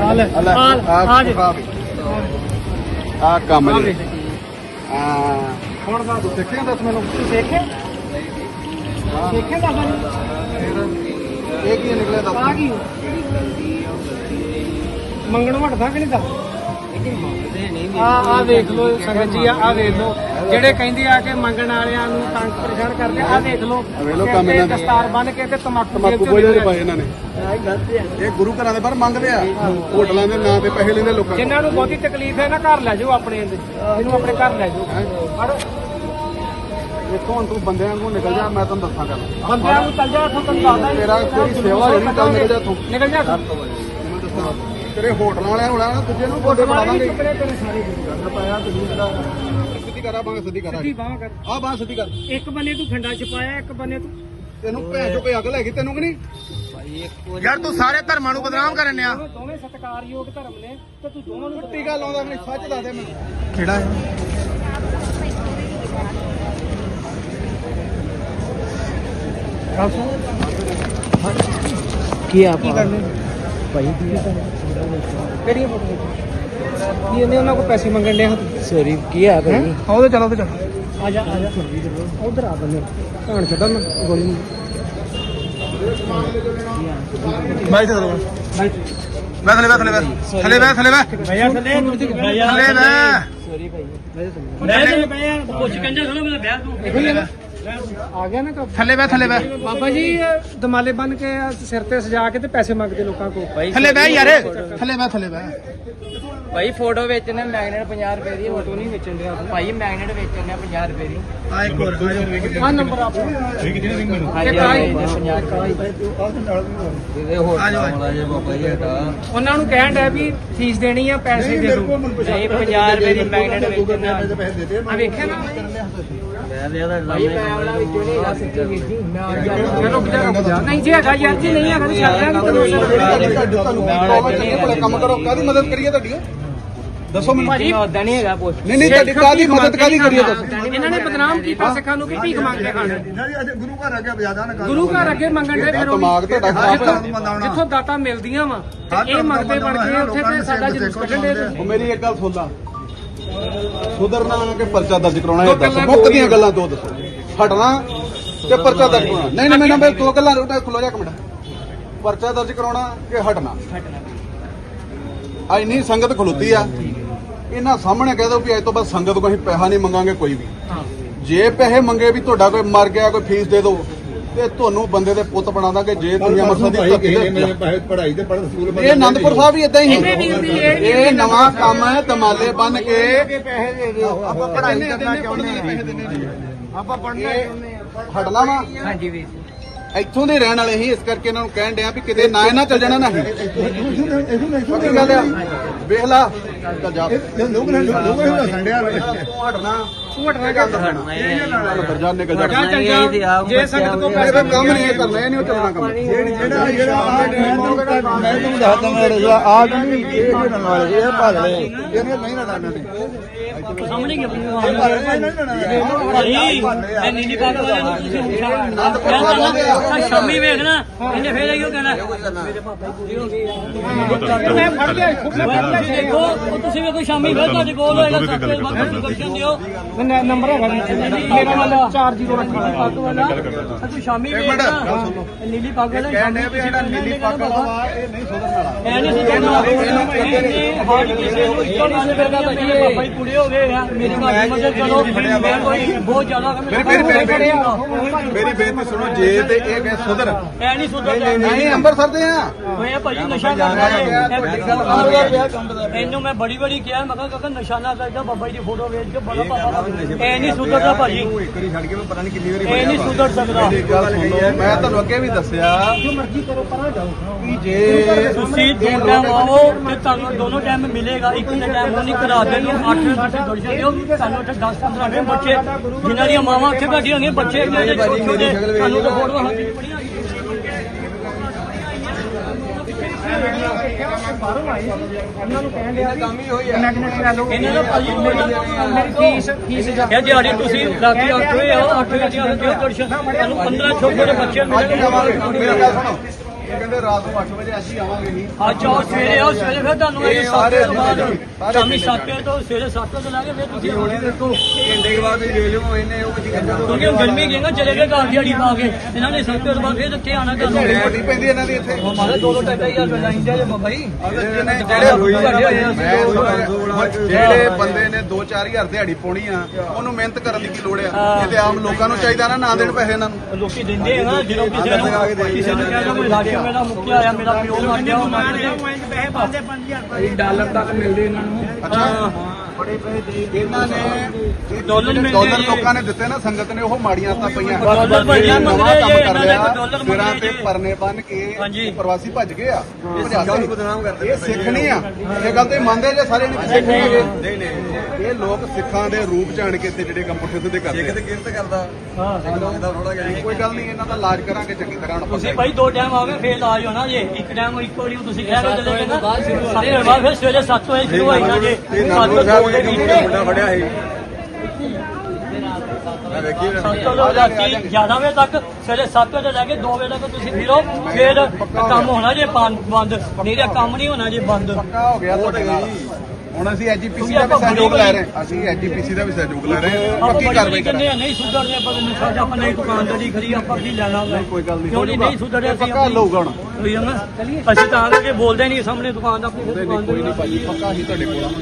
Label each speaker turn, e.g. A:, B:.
A: ਆ ਕੰਮ ਜੀ ਹੁਣ ਦੱਸ ਸਿੱਖਿਆ ਦੱਸ ਮੈਨੂੰ
B: ਸਿੱਖੇ ਦੱਸ
A: ਇਹ ਕੀ ਨਿਕਲਿਆ ਦੱਸ
B: ਆ ਕੀ ਮੰਗਣ ਵਟਦਾ ਕਿ ਨਹੀਂ ਦੱਸ ਆ ਵੇਖ ਲੋ ਸੰਗਤ ਜੀ ਆ ਵੇਖ ਲੋ ਜਿਹੜੇ ਕਹਿੰਦੇ ਆ ਕਿ ਮੰਗਣ ਵਾਲਿਆਂ ਨੂੰ ਤੰਗ ਪਰੇਸ਼ਾਨ ਕਰਦੇ ਆ ਵੇਖ ਲੋ
A: ਕੰਮ ਇਹਨਾਂ ਦਾ
B: ਦਸਤਾਰ ਬੰਨ ਕੇ ਤੇ ਤਮਾਕੂ
A: ਬੋਝੇ ਪਾਏ ਇਹਨਾਂ ਨੇ ਇਹ ਗੁਰੂ ਘਰਾਂ ਦੇ ਬਾਹਰ ਮੰਗਦੇ ਆ ਹੋਟਲਾਂ ਦੇ ਨਾਂ ਤੇ ਪੈਸੇ ਲੈਂਦੇ ਲੋਕਾਂ
B: ਜਿਨ੍ਹਾਂ ਨੂੰ ਬਹੁਤੀ ਤਕਲੀਫ ਹੈ ਨਾ ਘਰ ਲੈ ਜਾਓ ਆਪਣੇ ਇਹਨੂੰ ਆਪਣੇ ਘਰ ਲੈ ਜਾਓ
A: ਦੇਖੋ ਹੁਣ ਤੂੰ ਬੰਦਿਆਂ ਵਾਂਗੂ ਨਿਕਲ ਜਾ ਮੈਂ ਤੈਨੂੰ ਦੱਸਾਂ ਗੱਲ
B: ਬੰਦਿਆਂ ਨੂੰ ਚੱਲ ਜਾ ਇੱਥੋਂ ਤੈਨੂੰ ਦੱਸਦਾ
A: ਤੇਰਾ ਤੇਰੀ ਸੇਵਾ ਜਿਹੜੀ ਚੱਲ ਨਿਕਲ ਜਾ ਤੂੰ
B: ਨਿਕਲ ਜਾ
A: ਤੇਰੇ ਹੋਟਲਾਂ ਵਾਲਿਆਂ ਹੋਣਾ ਨਾ ਦੂਜੇ ਨੂੰ ਗੋਡੇ ਬਣਾ ਦਾਂਗੇ
B: ਤੇਰੇ ਸਾਰੇ
A: ਗੱਲ ਪਾਇਆ ਤੁਸੀਂ ਜਿਹੜਾ ਸਿੱਧੀ ਕਰਾ ਬਾਂਹ ਸਿੱਧੀ ਕਰਾ
B: ਸਿੱਧੀ ਬਾਂਹ ਕਰ
A: ਆ ਬਾਂਹ ਸਿੱਧੀ ਕਰ
B: ਇੱਕ ਬੰਨੇ ਤੂੰ ਖੰਡਾ ਛਪਾਇਆ ਇੱਕ ਬੰਨੇ ਤੂੰ
A: ਤੈਨੂੰ ਭੈਣ ਚੋ ਕੋਈ ਅਕਲ ਹੈਗੀ ਤੈਨੂੰ ਕਿ ਨਹੀਂ ਯਾਰ ਤੂੰ ਸਾਰੇ ਧਰਮਾਂ ਨੂੰ ਬਦਨਾਮ ਕਰਨ ਆ
B: ਦੋਵੇਂ ਸਤਿਕਾਰਯੋਗ ਧਰਮ ਨੇ ਤੇ ਤੂੰ ਦੋਵਾਂ ਨੂੰ
A: ਟੀਕਾ ਲਾਉਂਦਾ ਮੈਨੂੰ ਸੱਚ ਦੱਸ ਦੇ ਮੈਨੂੰ ਕਿਹੜਾ ਹੈ
B: ਕੀ ਆ ਕੀ ਕਰਨੇ ਭਾਈ ਕੀ ਕਰਨੇ ਕਿਹੜੀਆਂ ਫੋਟੋ ਕੀ ਇਹਨੇ ਉਹਨਾਂ ਕੋਲ ਪੈਸੇ ਮੰਗਣ ਡਿਆ ਸੌਰੀ ਕੀ ਆ ਭਾਈ
A: ਆਓ ਤੇ ਚਲੋ ਤੇ ਚਲੋ
B: ਆ ਜਾ ਉਧਰ ਆ ਬੰਨੇ ਭਾਣ ਛੱਡਣ ਗੋਲੀ
A: ਮੈਂ ਤੇ ਚਲੋ ਮੈਂ ਥਲੇ ਥਲੇ ਥਲੇ
B: ਭਈਆ ਥੱਲੇ
A: ਸੌਰੀ ਭਾਈ
B: ਮੈਂ ਭਈਆ ਕੁਝ ਕੰਜਾ ਥੋੜਾ ਮੇਰਾ ਵਿਆਹ ਤੂੰ ਆ ਗਿਆ ਨਾ
A: ਥੱਲੇ ਬੈ
B: ਬਾਬਾ ਜੀ ਦਮਾਲੇ ਬੰਨ ਕੇ ਸਿਰ ਤੇ ਸਜਾ ਕੇ ਤੇ ਪੈਸੇ ਮੰਗਦੇ ਲੋਕਾਂ ਕੋਲ
A: ਥੱਲੇ ਬੈ ਯਾਰ ਥੱਲੇ ਬੈ
C: ਭਾਈ ਫੋਟੋ ਵੇਚਣੇ ਮੈਗਨੇਟ 50 ਰੁਪਏ ਦੀ ਫੋਟੋ ਨਹੀਂ ਵੇਚਣ ਦਿਆ ਭਾਈ ਮੈਗਨੇਟ ਵੇਚਣੇ 50 ਰੁਪਏ ਦੀ
A: ਆ ਇੱਕ ਹੋਰ
B: ਆ ਨੰਬਰ ਆਪਣਾ
C: ਹਾਂਜੀ
B: ਇਹਦੇ
C: ਹੋਰ ਮਾਮਲਾ ਜੇ ਬਾਬਾ ਜੀ ਹਟਾ
B: ਉਹਨਾਂ ਨੂੰ ਕਹਿਣ ਡਿਆ ਵੀ ਫੀਸ ਦੇਣੀ ਆ ਪੈਸੇ ਦੇ ਦਿਓ
C: ਨਹੀਂ 50 ਰੁਪਏ ਦੀ ਮੈਗਨੇਟ ਵੇਚਣੇ
B: ਆ ਵੇਖਿਆ ਨਾ
C: ਮੈਂ ਲਿਆ ਦਾ ਭਾਈ ਮੈਂ ਵਾਲਾ ਵਿੱਚੋਂ ਨਹੀਂ ਆ ਸੱਚੀ ਵੀਰ ਜੀ ਮੈਂ
B: ਰੁਕ ਜਾ ਨਹੀਂ ਜੀ ਹੈਗਾ ਯਾਰ ਜੀ ਨਹੀਂ ਹੈਗਾ ਤਾਂ ਛੱਡ ਦਾਂਗੇ
A: ਕੰਮ ਕਰੋ ਕਾਦੀ ਮਦਦ ਕਰੀਏ ਤੁਹਾਡੀ ਦੱਸੋ ਮੈਨੂੰ
B: ਭਾਜੀ
C: ਉਦਾਂ ਨਹੀਂ ਹੈਗਾ ਪੁੱਛ
A: ਨਹੀਂ ਤੁਹਾਡੀ ਕਾਦੀ ਮਦਦ ਕਾਦੀ ਕਰੀਏ ਦੱਸੋ
B: ਇਹਨਾਂ ਨੇ ਬਦਨਾਮ ਕੀਤਾ ਸਿੱਖਾਂ ਨੂੰ ਕਿ ਭੀਖ ਮੰਗ ਕੇ ਖਾਣਾ
A: ਗੁਰੂ ਘਰ ਅੱਗੇ ਬਜਾਦਾ ਨਾ
B: ਗੁਰੂ ਘਰ ਅੱਗੇ ਮੰਗਣ ਦੇ ਫਿਰ
A: ਦਿਮਾਗ ਤੁਹਾਡਾ ਖਰਾਬ
B: ਜਿੱਥੋਂ ਦਾਤਾਂ ਮਿਲਦੀਆਂ ਵਾ ਇਹ ਮੰਗਦੇ ਬਣ ਕੇ ਉੱਥੇ ਤੇ ਸਾਡਾ ਜਲੂਸ ਕੱਢਣ ਦੇ
A: ਉਹ ਮੇਰੀ ਇੱਕ ਗੱਲ ਸੁਣ ਲਾ ਸੁਧਰਨਾ ਕਿ ਪਰਚਾ ਦਰਜ ਕਰਾਉਣਾ ਇਹ ਦੱਸ ਮੁੱਕ ਦੀਆਂ ਗੱਲਾਂ ਦੋ ਦੱਸੋ ਹਟਣਾ ਤੇ ਪਰਚਾ ਦਰਜ ਕਰਾਉਣਾ ਨਹੀਂ ਮੈਂ ਦੋ ਗੱਲਾਂ ਰੋਟਾ ਖਲੋ ਜਾ ਇੱਕ ਮਿੰਟ ਪਰਚਾ ਦਰਜ ਕਰਾਉਣਾ ਕਿ ਹਟਣਾ ਆ ਇੰਨੀ ਸੰਗਤ ਖਲੋਤੀ ਆ ਇਹਨਾਂ ਸਾਹਮਣੇ ਕਹਿ ਦੋ ਵੀ ਅੱਜ ਤੋਂ ਬਾਅਦ ਸੰਗਤ ਕੋਈ ਪੈਸਾ ਨਹੀਂ ਮੰਗਾਂਗੇ ਕੋਈ ਵੀ ਜੇ ਪੈਸੇ ਮੰਗੇ ਵੀ ਤੁਹਾਡਾ ਕੋਈ ਮਰ ਗਿਆ ਕੋਈ ਫੀਸ ਦੇ ਦਿਓ ਤੇ ਤੁਹਾਨੂੰ ਬੰਦੇ ਦੇ ਪੁੱਤ ਬਣਾ ਦਾਂਗੇ ਜੇ ਦੁਨੀਆ ਮਰਸਾਂ ਦੀ
D: ਪੜ੍ਹਾਈ ਤੇ ਪੜ੍ਹ ਸਕੂਲ
A: ਇਹ ਆਨੰਦਪੁਰ ਸਾਹਿਬ ਵੀ ਇਦਾਂ ਹੀ ਇਹ ਨਵਾਂ ਕੰਮ ਹੈ ਦਮਾਲੇ ਬੰਨ ਕੇ
B: ਪੈਸੇ ਦੇ ਦਿਓ
A: ਆਪਾਂ ਪੜ੍ਹਾਈ ਕਰਨਾ ਚਾਹੁੰਦੇ ਆਪਾਂ ਪੜ੍ਹਨਾ ਹਟਣਾ ਵਾ
B: ਹਾਂਜੀ ਵੀਰ
A: ਇੱਥੋਂ ਦੇ ਰਹਿਣ ਵਾਲੇ ਹੀ ਇਸ ਕਰਕੇ ਇਹਨਾਂ ਨੂੰ ਕਹਿਣ ਡਿਆ ਵੀ ਕਿਤੇ ਨਾ ਇਹਨਾਂ ਚੱਲ ਜਾਣਾ ਨਹੀਂ ਪੱਕੀ ਗੱਲ ਆ ਵੇਖ ਲਾ ਚੱਲ ਜਾ
D: ਲੋਕ ਸੰਡਿਆ
A: ਤੂੰ ਹਟਣਾ
B: ਤੂੰ ਹਟਣਾ ਕਰ
A: ਅੰਦਰ ਜਾ ਨਿਕਲ ਜਾ
B: ਚੱਲ ਜਾ ਜੇ ਸੰਗਤ ਕੋ
A: ਇਹ
B: ਪੈਸੇ
A: ਕੰਮ ਨਹੀਂ ਇਹ ਕਰਨਾ ਇਹ ਨਹੀਂ ਚੱਲਣਾ ਕੰਮ
D: ਮੈਂ ਤੁਹਾਨੂੰ ਦੱਸਦਾ ਮੈਂ ਆ ਨਹੀਂ ਇਹ ਨਾਲ ਵਾਲੇ ਇਹ ਭਾਲੇ ਇਹਨੇ ਨਹੀਂ ਨਾ ਡਾਣਾ ਨੇ
C: ਸਾਹਮਣੇ ਕੀ ਮੈਂ ਨੀਲੀ ਪੱਗ ਵਾਲਿਆਂ ਨੂੰ ਤੁਸੀਂ ਸ਼ਾਮੀ ਵੇਖਣਾ ਇਹਨੇ ਫੇਰ ਆਈਓ ਕਹਿਣਾ
B: ਮੈਂ ਫੜ ਗਿਆ
C: ਦੇਖੋ ਤੁਸੀਂ ਵੇਖੋ ਸ਼ਾਮੀ ਫੇਰ ਤੁਹਾਡੇ ਕੋਲ ਹੋਏਗਾ ਸੱਤੇ ਵਕਤ ਦਰਸ਼ਨ ਦਿਓ
B: ਨੰਬਰ ਹੈਗਾ ਮੇਰਾ ਵਾਲਾ 40
C: ਪੱਗ ਵਾਲਾ ਤੂੰ ਸ਼ਾਮੀ ਵੇਖਣਾ ਨੀਲੀ ਪੱਗ ਵਾਲਾ
A: ਕਹਿੰਦੇ ਵੀ ਜਿਹੜਾ ਨੀਲੀ ਪੱਗ ਵਾਲਾ ਇਹ ਨਹੀਂ ਸੁਧਰਨ ਵਾਲਾ
C: ਐ ਨਹੀਂ ਸੁਣਨਾ ਇਹਨੇ ਹਾਰਟ ਕਿਸੇ ਨੂੰ ਇੱਕੋ ਨਾਲ ਕਰਦਾ ਭਾਜੀ ਬਾਬਾ ਜੀ ਪੂਰੇ ਹੋ ਗਏ ਆ ਮੇਰੀ ਮਾਂ ਮਦਦ ਕਰੋ ਮੈਂ ਕੋਈ ਬਹੁਤ ਜ਼ਿਆਦਾ
A: ਮੇਰੀ ਬੇਨਤੀ ਸੁਣੋ ਜੇ ਤੇ ਇਹ ਕਹੇ ਸੁਧਰ
C: ਐ ਨਹੀਂ ਸੁਧਰਦਾ
A: ਨਹੀਂ ਅੰਮ੍ਰਿਤਸਰ ਦੇ ਆ
C: ਹੋਇਆ ਭਾਜੀ ਨਸ਼ਾ ਕਰਦਾ ਇਹਨੂੰ ਮੈਂ ਬੜੀ ਕਿਹਾ ਮੈਂ ਕਿਹਾ ਨਸ਼ਾ ਨਾ ਕਰਦਾ ਬਾਬਾ ਜੀ ਦੀ ਫੋਟੋ ਵੇਚ ਕੇ ਬੜਾ ਪਾਪਾ ਐ ਨਹੀਂ ਸੁਧਰਦਾ ਭਾਜੀ
A: ਇੱਕ ਵਾਰੀ ਛੱਡ ਕੇ ਮੈਂ ਪਤਾ ਨਹੀਂ ਕਿੰਨੀ ਵਾਰੀ
C: ਇਹ ਨਹੀਂ ਸੁਧਰ ਸਕਦਾ
A: ਮੈਂ ਤੁਹਾਨੂੰ ਅੱਗੇ ਵੀ ਦੱਸਿਆ
B: ਜੋ ਮਰਜ਼ੀ ਕਰੋ ਪਰਾਂ ਜਾਓ
A: ਕਿ ਜੇ
C: ਤੁਸੀਂ ਦੋ ਟਾਈਮ ਆਓ ਤੇ ਤੁਹਾਨੂੰ ਦੋਨੋਂ ਟਾਈਮ ਮਿਲੇਗਾ ਇੱਕ ਦੇ ਟਾਈਮ ਨਹੀਂ ਕਰਾ ਦੇਣਗੇ 8 ਤੁਸੀਂ ਦਰਸ਼ਨ ਦਿਓ ਸਾਨੂੰ ਉੱਥੇ 10-15 ਦੇ ਬੱਚੇ ਜਿਨ੍ਹਾਂ ਦੀਆਂ ਮਾਵਾਂ ਉੱਥੇ ਬੈਠੀਆਂ ਹੋਈਆਂ ਬੱਚੇ ਜਿਹੜੇ ਛੋਟੇ ਸਾਨੂੰ ਤਾਂ ਫੋਟੋਆਂ ਹੱਥ ਵਿੱਚ ਪੜੀਆਂ
B: ਬਾਹਰੋਂ ਆਏ ਉਹਨਾਂ ਨੂੰ ਕਹਿਣ ਡਿਆ ਕੰਮ ਹੀ ਹੋਈ ਹੈ
C: ਇਹਨਾਂ ਦਾ ਭਾਜੀ
B: ਮੇਰੀ ਫੀਸ
C: ਇਹ ਦਿਹਾੜੀ ਤੁਸੀਂ ਰਾਤੀ 8 ਵਜੇ ਆਓ 8 ਵਜੇ ਆਓ ਦਿਓ ਦਰਸ਼ਨ ਤੁਹਾਨੂੰ 15 ਛੋਟੇ ਬੱਚੇ ਮਿਲਣਗੇ
A: ਮੇਰਾ ਗੱਲ ਸੁਣੋ ਇਹ ਕਹਿੰਦੇ ਰਾਤ ਨੂੰ 8 ਵਜੇ ਅਸੀਂ ਆਵਾਂਗੇ ਨਹੀਂ
C: ਅੱਜ ਆਓ ਸਵੇਰੇ ਆਓ ਸਵੇਰੇ ਫਿਰ ਤੁਹਾਨੂੰ ਇਹ 7 ਵਜੇ ਤੋਂ ਬਾਅਦ ਸ਼ਾਮੀ 7 ਵਜੇ ਤੋਂ ਸਵੇਰੇ 7 ਵਜੇ ਲਾ ਕੇ ਫਿਰ ਤੁਸੀਂ ਆਉਣਾ ਦੇਖੋ
D: ਘੰਟੇ ਦੇ ਬਾਅਦ ਵੇਖ ਲਿਓ ਇਹਨੇ ਉਹ ਕੁਝ ਕਹਿੰਦਾ
C: ਕਿਉਂਕਿ ਹੁਣ ਗਰਮੀ ਗਏ ਨਾ ਚਲੇ ਗਏ ਘਰ ਦਿਹਾੜੀ ਪਾ ਕੇ ਇਹਨਾਂ ਨੇ 7 ਵਜੇ ਤੋਂ ਬਾਅਦ ਫਿਰ ਇੱਥੇ ਆਣਾ ਤੁਹਾਨੂੰ
A: ਛੁੱਟੀ ਪੈਂਦੀ ਇਹਨਾਂ ਦੀ ਇੱਥੇ
C: ਮਾਰੇ 2-2-2.5 ਰੁਪਏ ਲਾਈਂਦੇ ਜੇ ਬਾਬਾ ਜੀ
A: ਜਿਹੜੇ ਬੰਦੇ ਨੇ 2-4 ਹਜ਼ਾਰ ਦਿਹਾੜੀ ਪਾਉਣੀ ਆ ਉਹਨੂੰ ਮਿਹਨਤ ਕਰਨ ਦੀ ਕੀ ਲੋੜ ਆ ਇਹ ਤੇ ਆਮ ਲੋਕਾਂ ਨੂੰ ਚਾਹੀਦਾ ਨਾ ਦੇਣ ਪੈਸੇ ਇਹਨਾਂ ਨੂੰ
C: ਲੋਕੀ ਦਿੰਦੇ ਆ ਨਾ ਜਦੋਂ ਕਿਸੇ ਨੂੰ ਕਹਿੰਦਾ ਕੋਈ ਲਾਗੇ ਮੇਰਾ ਮੁੱਕਿਆ ਆਇਆ ਮੇਰਾ ਪਿਓ ਮਰ ਗਿਆ ਉਹ ਮਰ ਗਿਆ ਪੈਸੇ ਪਾਉਂਦੇ 5000
B: ਡਾਲਰ ਤੱਕ ਮਿਲਦੇ ਇਹਨਾਂ ਨੂੰ
A: ਅੱਛਾ
C: ਬੜੇ ਪੈਸੇ
A: ਇਹਨਾਂ ਨੇ
C: ਡਾਲਰ ਮਿਲਦੇ
A: ਡਾਲਰ
C: ਜੀ।
A: ਲੋਕਾਂ ਨੇ ਦਿੱਤੇ ਨਾ ਸੰਗਤ ਨੇ ਉਹ ਮਾੜੀਆਂ ਤਾਂ ਪਈਆਂ
C: ਡਾਲਰ ਭਈਆ ਮੰਗ
A: ਨਵਾਂ
C: ਰਹੇ
A: ਕੰਮ
C: ਜੀ,
A: ਕਰ
C: ਇਹਨਾਂ
A: ਲਿਆ
C: ਨੇ ਡਾਲਰ ਮੰਗ
A: ਸਿਰਾਂ
C: ਰਹੇ
A: ਤੇ
C: ਜੀ।
A: ਪਰਨੇ ਬੰਨ ਕੇ
C: ਹਾਂਜੀ।
A: ਪ੍ਰਵਾਸੀ ਭੱਜ ਗਏ ਆ
D: ਨੂੰ ਬਦਨਾਮ ਕਰਦੇ
A: ਇਹ ਸਿੱਖ ਨਹੀਂ ਆ ਇਹ ਗੱਲ ਤੇ ਮੰਨਦੇ ਜੇ ਸਾਰੇ ਨੇ ਸਿੱਖ ਨਹੀਂ ਹੈਗੇ ਇਹ ਲੋਕ ਸਿੱਖਾਂ ਦੇ ਰੂਪ ਚ ਆਣ ਕੇ ਇੱਥੇ ਜਿਹੜੇ ਕੰਮ ਪੁੱਠੇ ਸਿੱਧੇ ਕਰਦੇ
D: ਕਿਤੇ ਕਿਰਤ ਕਰਦਾ
C: ਹਾਂ
D: ਇਹਦਾ ਥੋੜਾ ਜਿਹਾ
A: ਕੋਈ ਗੱਲ ਨਹੀਂ ਇਹਨਾਂ ਦਾ ਇਲਾਜ ਕਰਾਂਗੇ ਚੰਗੀ ਤਰ੍ਹਾਂ ਹੁਣ
C: ਤੁਸੀਂ ਭਾਈ 2 ਟਾਈਮ ਆਓਗੇ ਫੇਰ ਇਲਾਜ ਹੋਣਾ ਜੇ ਇੱਕ ਟਾਈਮ ਇੱਕੋ ਵਾਰੀ ਤੁਸੀਂ ਕਹਿ ਰਹੇ ਚਲੇ ਗਏ ਨਾ ਸਾਰੇ ਬਾਅਦ ਫਿਰ ਸਵੇਰੇ 7 ਵਜੇ ਸ਼ੁਰੂ ਹੋਈ ਨਾ ਜੇ
D: ਇਹ ਨਾਨੂ ਸਾਹਿਬ ਦੇ ਮੁੰਡਾ ਫੜਿਆ ਸੀ ਮੈਂ ਵੇਖੀ
C: ਰਾਤੀ 11 ਵਜੇ ਤੱਕ ਸਵੇਰੇ 7 ਵਜੇ ਲੈ ਕੇ 2 ਵਜੇ ਤੱਕ ਤੁਸੀਂ ਫਿਰੋ ਫਿਰ ਕੰਮ ਹੋਣਾ ਜੇ ਬੰਦ ਨਹੀਂ ਤਾਂ ਕੰਮ ਨਹੀਂ ਹੋਣਾ ਜੇ ਬੰਦ
A: ਪੱਕਾ ਹੋ ਗਿਆ ਤੁਹਾਡੇ ਨਾਲ ਹੁਣ ਅਸੀਂ ਐਜੀਪੀਸੀ ਦਾ ਵੀ ਸਹਿਯੋਗ ਲੈ ਰਹੇ ਹਾਂ ਅਸੀਂ ਐਜੀਪੀਸੀ ਦਾ ਵੀ ਸਹਿਯੋਗ ਲੈ ਰਹੇ ਹਾਂ
C: ਆਪਾਂ
A: ਪੱਕੀ ਕਾਰਵਾਈ
C: ਕਹਿੰਦੇ
A: ਕਰਾਂਗੇ
C: ਆ ਨਹੀਂ ਸੁਧਰਦੇ ਆਪਾਂ ਨੂੰ ਸਾਡਾ ਆਪਾਂ ਨਹੀਂ ਦੁਕਾਨਦਾਰੀ ਖਰੀ ਆਪਾਂ ਕੀ ਲੈਣਾ
A: ਕੋਈ ਗੱਲ ਨਹੀਂ
C: ਕਿਉਂ ਨਹੀਂ ਸੁਧਰਿਆ ਅਸੀਂ
A: ਪੱਕਾ ਲਊਗਾ ਹੁਣ
C: ਹੋਈ ਨਾ ਅਸੀਂ ਤਾਂ ਕਰਕੇ ਬੋਲਦੇ ਨਹੀਂ ਸਾਹਮਣੇ ਦੁਕਾਨ ਦਾ ਆਪਣੀ
A: ਕੋਈ
C: ਦੁਕਾਨ
A: ਨਹੀਂ ਭਾਜੀ ਪੱਕਾ ਹੀ ਤੁਹਾਡੇ ਕੋਲ